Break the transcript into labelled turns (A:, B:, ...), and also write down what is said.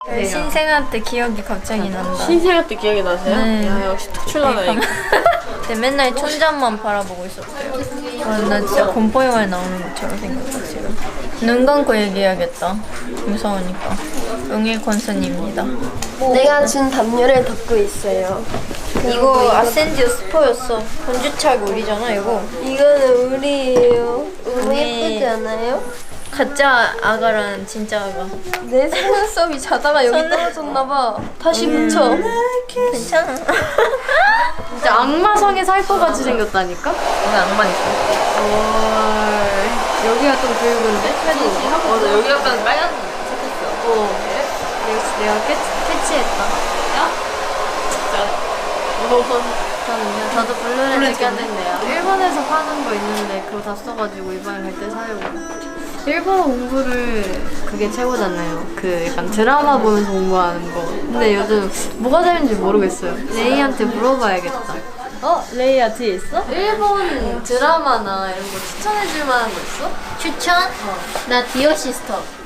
A: 네, 신생아 때 기억이 갑자기 난다.
B: 신생아 때 기억이 나세요?
A: 네.
B: 야 역시 톡출라다 이거.
A: 근데 맨날 천장만 바라보고 있었대요. 와, 나 진짜 공포 영화에 나오는 것처럼 생겼다 지금. 눈 감고 얘기해야겠다. 무서우니까. 응일 콘서입니다.
C: 내가 준 담요를 덮고 있어요.
A: 이거 아센디오 스포였어. 본주착 우리잖아 이거.
C: 이거는 우리예요. 너무
A: 네.
C: 예쁘지 않아요?
A: 가짜 아가랑 진짜 아가.
C: 내 속눈썹이 자다가 여기 떨어졌나봐. 다시 붙여.
A: 괜찮아.
B: 진짜 악마성에 살 것 같이 생겼다니까?
A: 오늘 악마 있어.
B: 여기가 좀 붉은데?
A: 맞아 여기 약간 빨간 색했어.
B: 내가 캐치했다.
A: 저도 블루를
B: 느꼈는데요. 일본에서 파는 거 있는데 그거 다 써가지고 이번에 갈 때 사려고. 일본어 공부를 그게 최고잖아요. 그 약간 드라마 보면서 공부하는 거. 근데 요즘 뭐가 재밌는지 모르겠어요. 레이한테 물어봐야겠다. 레이야 뒤에 있어? 일본 드라마나 이런 거 추천해줄 만한 거 있어?
A: 추천? 나 디어 시스터.